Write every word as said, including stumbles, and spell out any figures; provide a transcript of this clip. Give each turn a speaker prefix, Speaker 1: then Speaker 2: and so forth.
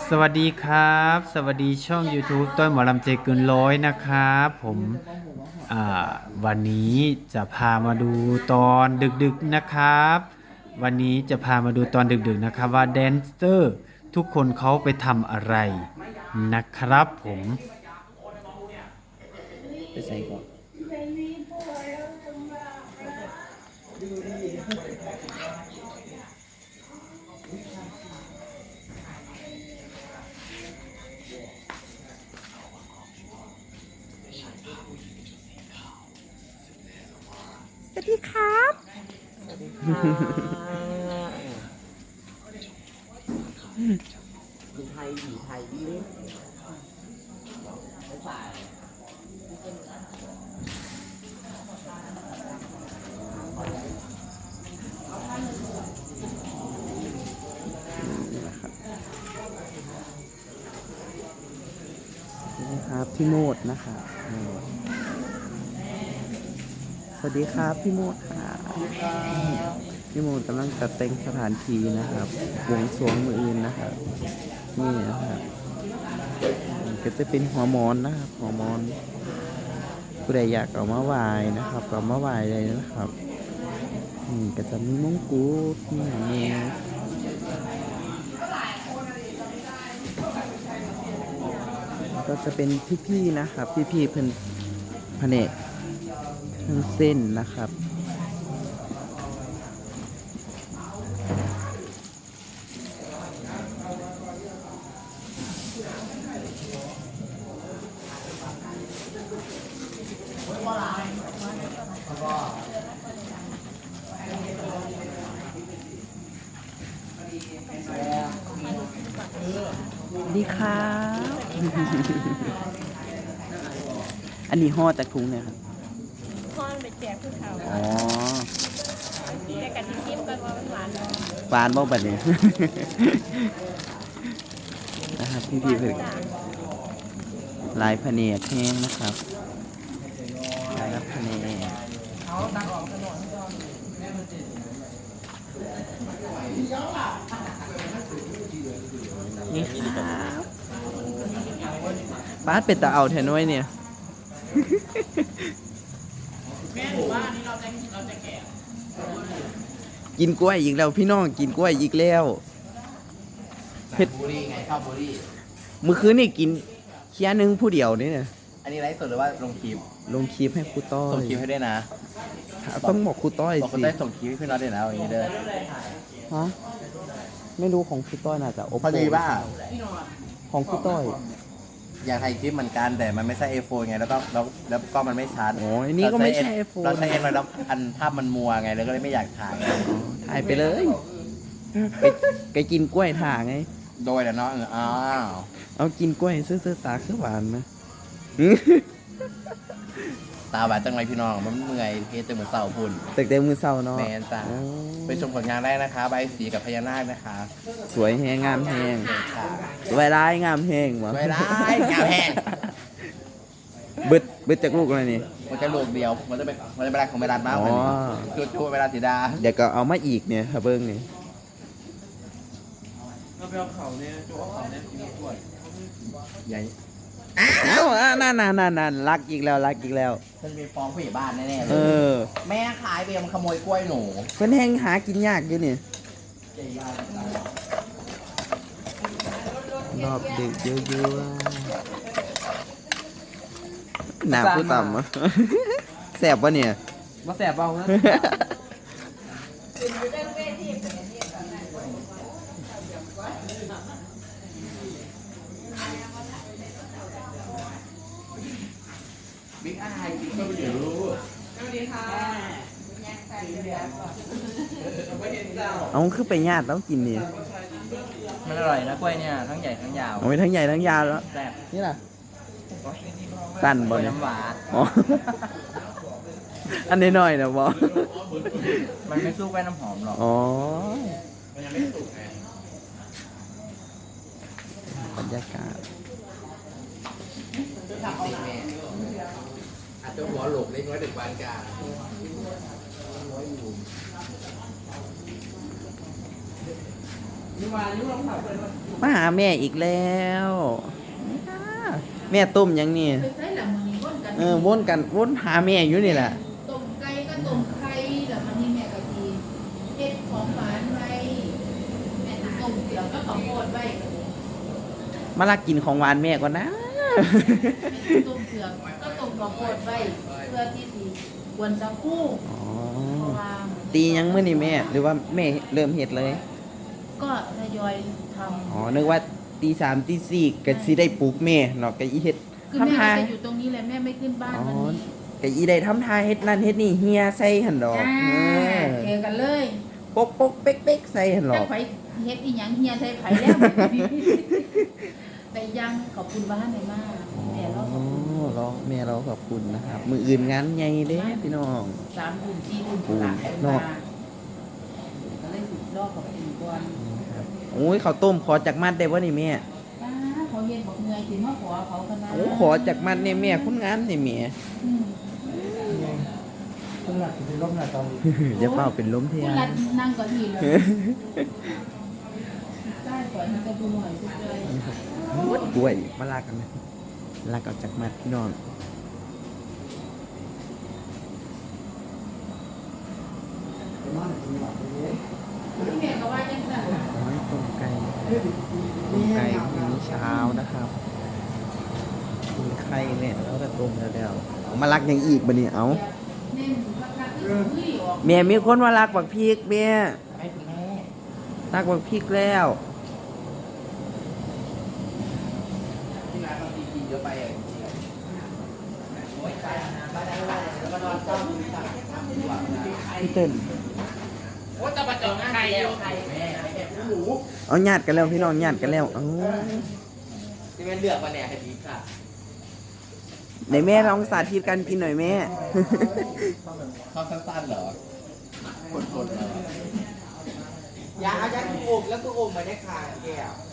Speaker 1: สวัสดีครับสวัสดีช่อง YouTube ต้นหมอลำใจเกินร้อยนะครับผมอ่าวันนี้จะพามาดูตอนดึกๆนะครับวันนี้จะพามาดูตอนดึกๆนะครับว่าแดนเซอร์ทุกคนเขาไปทำอะไรนะครับผม
Speaker 2: ไปใส่ก่อนสวัสดีครับคนไทยหญิงไทยเล่นไม่ใส่นะครับพี่โมดนะคะสวัสดีครับพี่โมดค่ะพี่โมดกำลังจัดแต่งสถานที่นะครับวงสรวงมืออื่นนะครับนี่นะครับก็จะเป็นหัวมอนนะครับหัวมอนผู้ใดอยากเอามาไหว้นะครับเอามาไหว้เลยนะครับนี่ก็จะมีมงกุฎมีอย่างนี้ก็จะเป็นพี่ๆนะครับพี่ๆเพิ่นแผนกเครื่องเส้นนะครับดีครับอันนี้ห่อจากถุงเนี่ยครับ
Speaker 3: พ่อนไปแจกผู้เฒ่า
Speaker 2: อ๋อ
Speaker 3: แจกกันที่ชิมกันว่ามันหวานเนาะ
Speaker 2: หวานบ่บัดนี้ นะครับพี่พี่เพิ่งลายพะเนียดแห้งนะครับลายรับพะเนียดนี่ครับป้าดเป็ดตาเอาแทนน้อยเนี่ย กินกล้วยอีกแล้วพี่น้องกินกล้วยอีกแล้วเผ็ด
Speaker 4: บุรีไงชอบบุรี
Speaker 2: เมื่อคืนนี่กินเคี้ยนึงผู้เดียวนี่เนี่ย
Speaker 4: อันนี้ไลฟ์สดหรือว่าลงคลิป
Speaker 2: ลงคลิปให้ครูต้อ
Speaker 4: ส่ง
Speaker 2: ย
Speaker 4: คลิปให้ด้วยนะ
Speaker 2: ต้องบอกครูต้อย
Speaker 4: บอกคน
Speaker 2: สิ
Speaker 4: ได้ส่งคลิปให้พี่น็อตด้วยนะอย่างนี้เด้อ
Speaker 2: ฮะไม่รู้ของครูต้อยน่าจะโอ
Speaker 4: พอดีป่ะ
Speaker 2: ของครูต้อย
Speaker 4: อยากถ่ายคลิปเหมือนกันแต่มันไม่ใช่ iPhone ไงแล้วก็แล้วแล้วก็มันไม่ชัด
Speaker 2: โอ้ยอันนี้ก็ไม่ใช่ iPhone
Speaker 4: เราใช้เอ็นแล้วอันภาพมันมัวไงแล้วก็เลยไม่อยากถ่าย
Speaker 2: ถ่ายไปเลยไปไปกินกล้วยถ่าไง
Speaker 4: โดยแต่เนาะเอออ้าว
Speaker 2: เอากินกล้วยซื้อๆตาคือหวานนะ
Speaker 4: ตาบาดจังไรพี่น้องมันเมื่อยเฮ็ดจนเหมือนเสาพุ่น
Speaker 2: ตึกเต็มมือเศร้าเนาะ
Speaker 4: แมนจ้า
Speaker 2: โอ้
Speaker 4: ไปชมผลงานได้นะคะใบสีกับพญานาคนะคะ
Speaker 2: สวยแหงงามแหง
Speaker 4: ค่ะ
Speaker 2: สวยร้ายงามแหงวะ
Speaker 4: ไม่ได้งามแห้ง
Speaker 2: บึดบึดจากลูกอะไรนี่
Speaker 4: มันจะลูกเดียวมันจะเป็นมันจะเป็นรักของเวลามากกว่า
Speaker 2: อ๋
Speaker 4: นี้
Speaker 2: อ
Speaker 4: จุดจุเวลาสีดา
Speaker 2: เดี๋ยวก็เอามาอีกเนี่ยครับเบิ้งนี่
Speaker 4: ใหญ่
Speaker 2: เอ้าอ่ะนั่นนั่นนั่นนั่นรักอีกแล้วรักอีกแล้ว
Speaker 4: มันเป็นฟ้องผู้ใหญ่บ้านแน่ๆเล
Speaker 2: เอย อ
Speaker 4: แม่ขายเบียร์มันขโมยกล้วยหนู
Speaker 2: เพิ่นแห้งหากินยากอยู่นี่รอบดึกเยอะๆหนาผู้ต่ำอะแสบปะเนี่ย
Speaker 4: มาแสบเบานะบิ๊กอายกินก็ไม่เดี๋ยวรู้
Speaker 2: เอาคือไปญาติแล้วกินนี่
Speaker 4: มันอร่อยนะกล้วยเนี่ยทั้งใหญ่ทั้งยาว
Speaker 2: เอาไปทั้งใหญ่ทั้งยาวแล้ว
Speaker 4: แซ่บ
Speaker 2: นี่ล่ะสั้น
Speaker 4: ก
Speaker 2: บ่
Speaker 4: ล้วย
Speaker 2: เนี่ย
Speaker 4: น้ำหวาน
Speaker 2: อ๋อ อันนี้หน่อยนะบอ
Speaker 4: มันไม่สู้กล้วยน้ำหอมหรอก
Speaker 2: อ๋อ
Speaker 4: มันยังไม่สุกไง
Speaker 2: บรรยากาศ
Speaker 4: อาจจะหัวหลกเล็กน้อยถึงปานกลาง
Speaker 3: นี่มานี่ลองถามเลยว่า
Speaker 2: มาหาแม่อีกแล้วแม่ต้มยังนี่
Speaker 3: ไปใช้หลังมันนี้วนกัน
Speaker 2: เออวนกันวนหาแม่อยู่นี่แหละ
Speaker 3: ต้มไก่ก็ต้มไข่หลังมันนี้แม่ก็ทีเฮ็ดของหวานไว้แม่ต้มเกลือก็ข้าวโพดไว้
Speaker 2: มาลักกินของหวานแม่ก่อนนะ
Speaker 3: ต้มเกลือก็ต้มข้าวโพดไว้เพื่อที่สิกวนสะพู
Speaker 2: อ๋อ
Speaker 3: เพราะว่า
Speaker 2: ตียังมื้อนี่แม่ หรือว่าแม่เริ่มเฮ็ดเลย
Speaker 3: ก็ทยอยทำ
Speaker 2: อ๋อ นึกว่าตีสามตีสี่ก็สิได้ปลุกแม่เนาะก็อีเฮ็ด
Speaker 3: คือ
Speaker 2: ทำ
Speaker 3: แม่
Speaker 2: ทา
Speaker 3: จะอยู่ตรงนี้แหละแม่ไม่ขึ้นบ้าน
Speaker 2: อ๋อ
Speaker 3: วันนี้
Speaker 2: ก็อีได้ทำทาเฮ็ดนั่นเฮ็ดนี่เฮียใส่หั่นดอก
Speaker 3: จ้า
Speaker 2: เออ
Speaker 3: เจอกันเลย
Speaker 2: ปกปกเป๊กเป๊กใส่หั่นด
Speaker 3: แต่
Speaker 2: อก
Speaker 3: ไผเฮ็ดอีหยังเฮียใส่ไผแล้วแต่ยังขอบคุณบ้านในมากแม่เรา
Speaker 2: อ๋
Speaker 3: ขอบคุณ
Speaker 2: อเราแม่เราขอบคุณนะครับ มืออื่นงานใหญ่เด้พี่น้อง
Speaker 3: สามทุ่มสี่ทุ่ม
Speaker 2: โอ้
Speaker 3: หลัง
Speaker 2: เนาะ
Speaker 3: มาก็เลยสุดรอบขอบคุณก่อน
Speaker 2: โอ้ยข้าวต้มขอจากมัดได้บ่นี่แม่
Speaker 3: ป้าเขาเฮ็ดบอกเงยถึงมาขอเขาคณะ
Speaker 2: โอ้ขอจากมัดเนี่ยแม่คุณงามนี่แม่
Speaker 3: อืม
Speaker 4: คุณหลักเป็นลมหลักตอนนี้
Speaker 2: เดี๋ยวเฝ้าเป็นล้มเทีย
Speaker 3: คุณ
Speaker 2: น
Speaker 3: รัดนั่งเก็ทีเลยได้ก่อนนั่งก็ดูหน่อยสุดเลย
Speaker 2: กล้วยมาลากกันนะลากเอาจากมัดพี่น้อง
Speaker 3: พี่แม่ก็ว่าจังซั่น
Speaker 2: โอ้ยต้มไก่ต้มไก่พรุ่งนี้เช้านะครับกินไข่แม่แล้วก็ต้มแล้วแล้วเอามาลักอย่างอีกบ่นี่เอา
Speaker 3: เน้นคักๆที่สิออก
Speaker 2: แม่มีคนมาลักบักพริกแม่
Speaker 4: ไม่คุณแม่
Speaker 2: ลักบักพริกแล้ว
Speaker 4: ที่ร้านเราตีกินเยอะไปอ่ะโอ้ยไปนะบ้านได้ว่าแล้วก็นอนเศร้าดูสักดีกว่านะ
Speaker 2: พี่เติ้ล
Speaker 4: โอ้จะมาจองไข่แล้วไข่แม่ไข่หมู
Speaker 2: เอาญาติกันแล้วพี่น้องญาติกันแล้วเอา
Speaker 4: ที่แม่เลือกมาแน่คดีค่ะ
Speaker 2: ไหนแม่ลองสาธิตการกินหน่อยแม่
Speaker 4: ชอบสั้นๆเหรอคนๆเหรอยาเอายาคืออมแล้วคืออมมาได้ค่ะแก้ว